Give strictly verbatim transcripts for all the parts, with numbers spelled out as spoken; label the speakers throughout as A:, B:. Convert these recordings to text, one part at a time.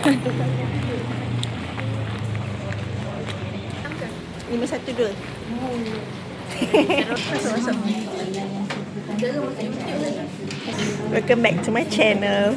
A: Lima satu dua. Masuk masuk. Welcome back to my channel.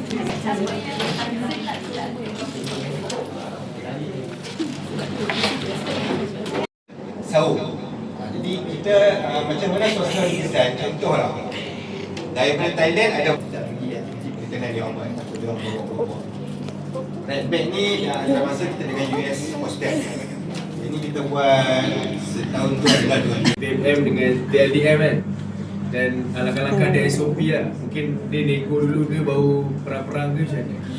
B: Sahur. Jadi kita uh, macam mana social design, contohlah daripada Thailand ada kita pergi kita nak dia buat dia buat red bag ni dah ada masa kita dengan U S hostel. Ini kita buat setahun tu adalah dua
C: D M dengan D L D M kan. Dan alangkah-alangkah dia S O P lah. Mungkin dia nego dulu ke baru perang-perang ke macam mana.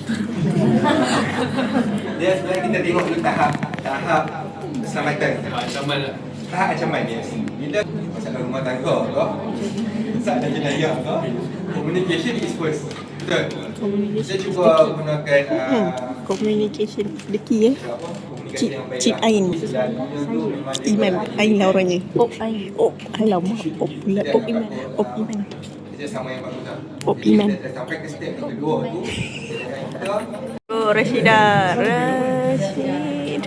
B: dia sebenarnya kita tengok dulu tahap tahap keselamatan.
C: Ancaman lah.
B: Tahap ancaman dia. Bila masalah rumah tangga tu, saat ada jenayah tu, communication is first. Betul? Kita cuba gunakan uh,
A: Communication the key eh. Cip Cip Ain. Iman Ain lah orangnya. Op Ain. Op alamak. Op pula. Op Iman. Op Iman.
B: Kerjasama yang bagus lah.
A: Op Iman.
B: Kita sampai ke step yang kedua tu, kita
A: Oh Rashida. Rashid.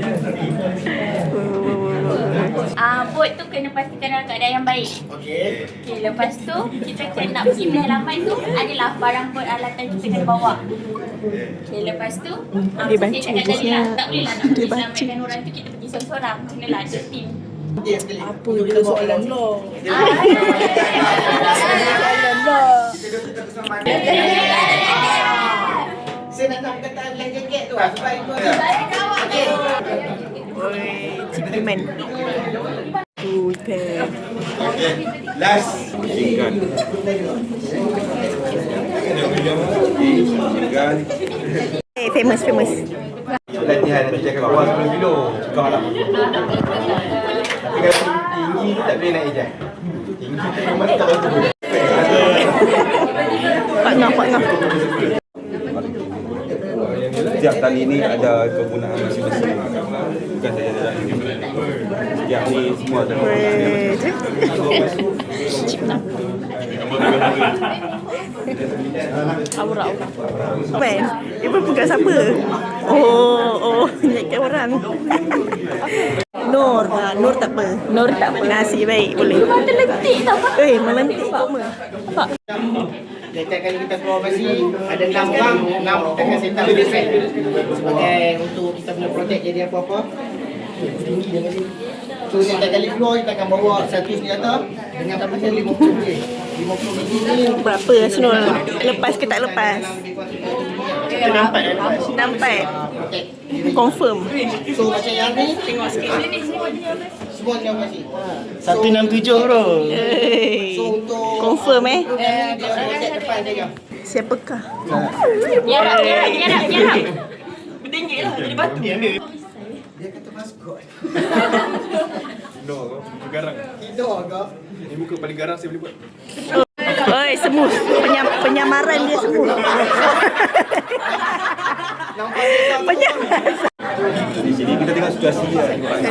D: Ah, uh, bot tu kena pastikan dalam keadaan yang baik. Okey. Okey, lepas tu kita kena nak pergi pengalaman tu adalah barang peralatan kita kena bawa. Okey, lepas tu ah,
A: Dia
D: saya
A: baca
D: cakap tadi lah, tak boleh lah nak
A: Dia
D: pergi
A: baca.
D: selamatkan orang tu kita pergi seorang-seorang. Kenalah ada team.
A: Apa dia soalan lo?
E: Saya nak tahu kata life jacket tu lah supaya ikut okey.
A: Oi, Cip Iman. Tu ikan.
B: okay. Last machine gun.
A: Eh, famous famous.
B: Latihan nanti cakap bawah sepuluh kilo. Cakap lah. Tapi kalau tinggi tu tak boleh naik je. Tinggi tu memang tak boleh.
A: Pak Ngah, Pak Ngah.
F: Setiap tali ni ada kegunaan masing-masing. Bukan saja dalam ini. Setiap ni semua ada kegunaan dia masing-masing.
A: Aura-aura. Ben, ibu pegang siapa? Oh, oh, ingatkan orang. Nur, ha, Nur tak apa. Nur tak apa. Nasib baik, boleh.
D: Mata lentik tau.
A: Eh, melentik koma. Pak.
E: Setiap kali kita keluar basi ada enam orang, enam kita akan set up set sebagai untuk kita punya projek jadi apa-apa. Tinggi dia kasi. So setiap kali keluar kita akan bawa satu senjata dengan kapasitas lima puluh biji. lima puluh biji ni
A: Berapa Asnul? Lepas ke tak lepas?
E: kita nampak dah lepas.
A: Nampak.
E: Okey.
A: Confirm.
E: So macam yang ni tengok sikit. Semua ni basi.
G: satu enam tujuh bro.
A: Hey.
E: So untuk
A: Confirm eh.
E: eh dia set depan dia.
A: Siapakah?
D: Nyarap, nyarap, nyarap, nyarap. Bertinggi lah jadi batu.
E: Dia kata maskot.
C: No, muka garang.
E: Tidur agak.
C: Ini muka paling garang saya boleh buat.
A: Oi, semut. Penyam, penyamaran dia semut. Penyamaran.
F: Di sini kita tengok situasi dia.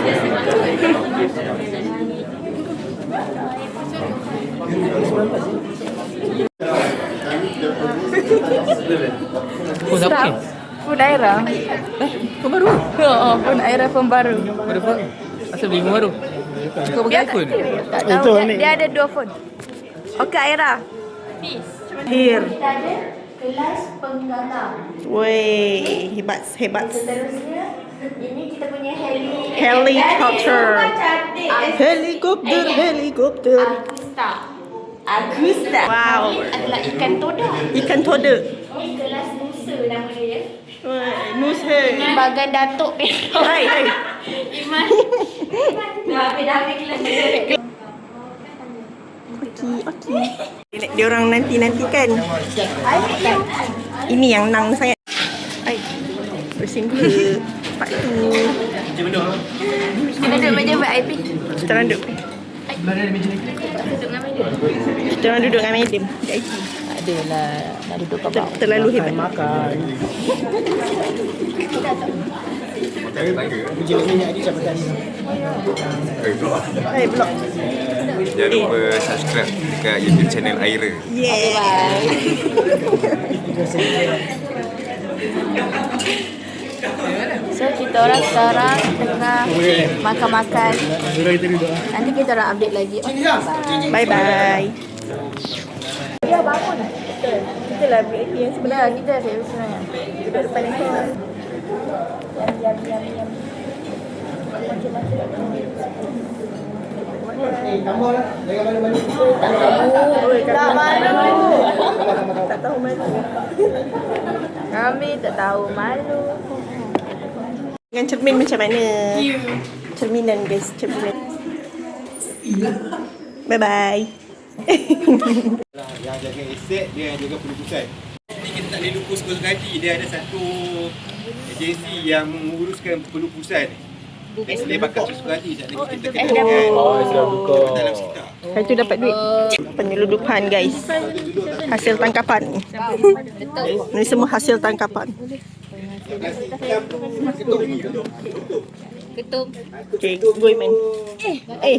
H: Oh, siapa ni?
I: Phone Aira.
H: Eh, phone baru?
I: Oh, phone Aira phone baru.
H: Baru phone? Asal beli phone baru? Kau pakai iPhone?
I: Tak tahu. Dia, dia ada dua phone. Okey Aira.
D: Peace.
A: Here.
D: Kita ada kelas penggala.
A: Woi, hebat, hebat.
D: Seterusnya ini kita punya heli.
A: Helicopter.
D: Cantik.
A: Helikopter, helikopter.
D: Agusta. Agusta.
A: Wow.
D: Ini adalah ikan toda.
A: Ikan toda.
D: Ini kelas nusa nama dia.
A: Woi, Nusa.
D: Bagan Datuk
A: Hai, hai.
D: Iman. Dah habis, dah habis kelas nusa.
A: Okey, okey. Dia orang nanti-nantikan. Ini yang nang sangat. Ai. Bersin dulu. Pak tu.
I: Kita duduk meja V I P.
A: Kita orang duduk.
D: Duduk dengan meja.
A: Kita orang duduk dengan madam. V I P.
I: Adalah nak duduk kat bawah.
A: Terlalu hebat.
G: Makan. Uji minyak dia sampai tadi.
A: Hai, blog.
F: Jangan lupa subscribe dekat YouTube channel Aira.
A: Yeah.
I: So kita orang sekarang tengah makan-makan. Nanti kita orang update lagi.
A: Bye bye.
I: Ya bangun. Kita lah V I P yang sebelah. Kita V I P sebenarnya. Duduk depan handphone. Yum yum yum yum.
E: Eh, tambah lah. Jangan malu-malu.
I: Tak malu. Tak tahu malu. Kami tak tahu malu.
A: Dengan cermin macam mana? Cerminan guys, cerminan. Bye bye.
B: Yang jaga aset, dia yang jaga pelupusan. Ini kita tak boleh lupus Ghost Guide. Dia ada satu agensi yang menguruskan pelupusan. Dan selain bakat susu hati, tak ada kita kena dengan dalam sekitar.
A: Hari tu dapat duit. Penyeludupan guys. Hasil tangkapan. Ini semua hasil tangkapan.
D: Ketum.
A: Okay, go Iman. Eh.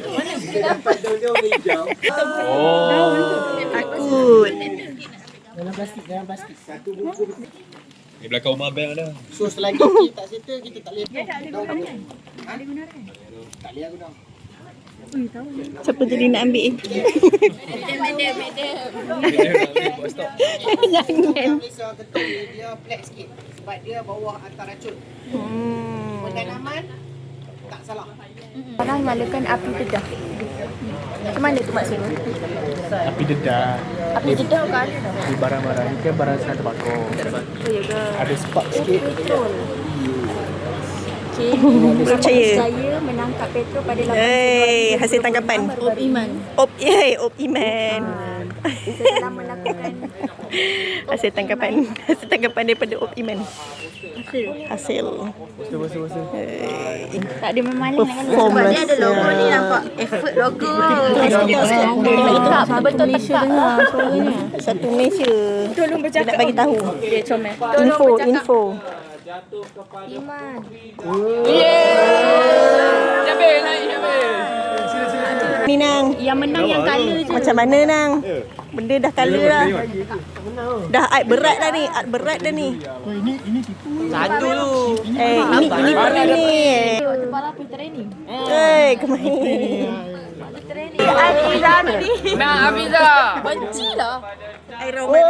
F: Oh.
A: Takut.
E: Dalam plastik, dalam plastik. Satu buku.
F: Di belakang rumah abang ada.
E: So selagi kita tak settle, kita tak boleh. Ya tak ada guna kan? Ada guna kan? Tak boleh guna.
A: Siapa jadi nak ambil?
D: Madam, madam, madam.
A: Jangan.
E: Malaysia ketum ni dia flat sikit. Sebab dia bawah hantar racun.
A: Hmm.
E: Pendanaman tak salah.
I: Orang nyalakan api dedah. Macam mana tu maksudnya?
G: Api dedah.
I: Api dedah kan?
G: Di barang-barang ni kan barang sana terbakar.
I: Oh ya ke?
G: Ada spark sikit.
I: Betul. Okay.
A: Percaya.
I: Saya menangkap petrol pada lapan
A: Hey, hasil tangkapan.
I: Op Iman.
A: Op, yay, Op Iman.
I: Saya telah melakukan
A: Hasil tangkapan. Hasil tangkapan daripada Op Iman.
I: hasil.
A: Hasil.
G: Betul, betul, betul.
A: Hey.
I: Tak ada memaling
A: Perform
I: sebab dia ada logo
A: lah.
I: ni nampak effort logo.
A: Betul,
I: Tak betul Malaysia dengar suaranya.
A: Satu Malaysia.
I: Tolong
A: Dia
I: bercakap.
A: nak bagi tahu.
I: Dia comel.
A: Info, info.
I: Iman.
A: Ni Nang.
I: Yang menang yang colour je.
A: Macam mana Nang? Benda dah colour dah. Dah art berat dah ni. Art berat dah ni.
E: Satu tu.
A: Eh, ini ini perlu ni.
I: Waktu malam pergi training.
A: Eh, kemahin.
I: Afiza tadi.
H: Nah, Afiza.
I: Benci lah.
A: Iron Man.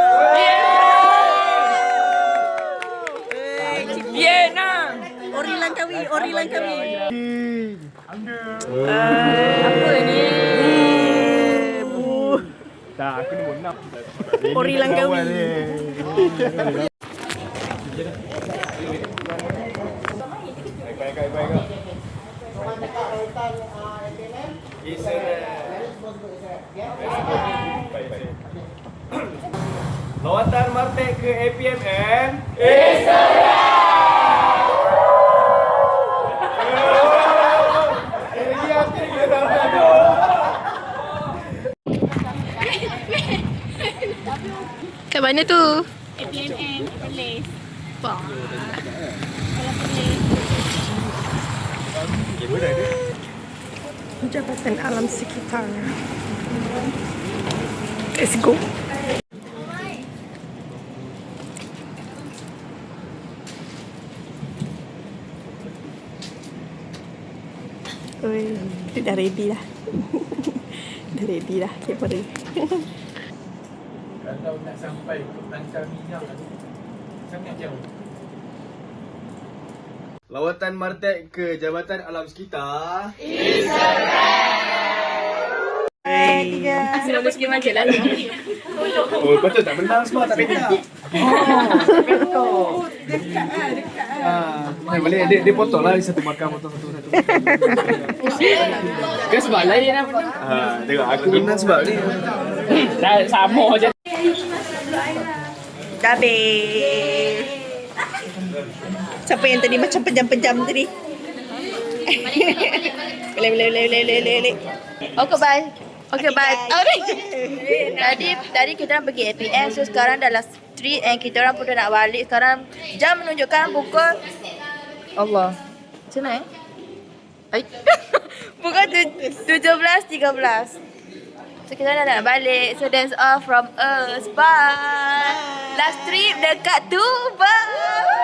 H: Yeah, nah.
A: Ori Langkawi, Ori Langkawi.
I: Apa ni?
G: Tak, aku ni pun nak.
A: Ori Langkawi.
C: Lawatan Martek ke A P M M.
I: Kat mana tu?
D: A P M M, Perlis.
A: Jabatan Alam Sekitar. Let's go. Oi, dia dah ready dah. Dah ready dah kamera.
C: Kalau nak sampai ke Tangsel Minyak sangat jauh. Lawatan Martek ke Jabatan Alam Sekitar.
I: Semua sikit macam lah.
C: Oh, betul tak menang semua tak beda. Oh. Dekat ah, dekat ah. Ah, boleh dia dia potong lah satu markah potong satu satu.
H: Kan sebab lain dia nak menang.
C: Ha, tengok aku menang sebab ni.
H: Dah sama je.
A: Dah habis. Siapa yang tadi macam pejam-pejam tadi? Boleh, boleh, boleh, boleh, boleh, boleh.
I: Okay, bye. Okay, bye. Tadi tadi kita orang pergi A P M, so sekarang dah last street and kita orang pun dah nak balik. Sekarang jam menunjukkan pukul Allah. Macam mana eh? Ay. Pukul tujuh belas tiga belas. So kita dah nak balik. So that's all from us. Bye. Last trip dekat Tuban.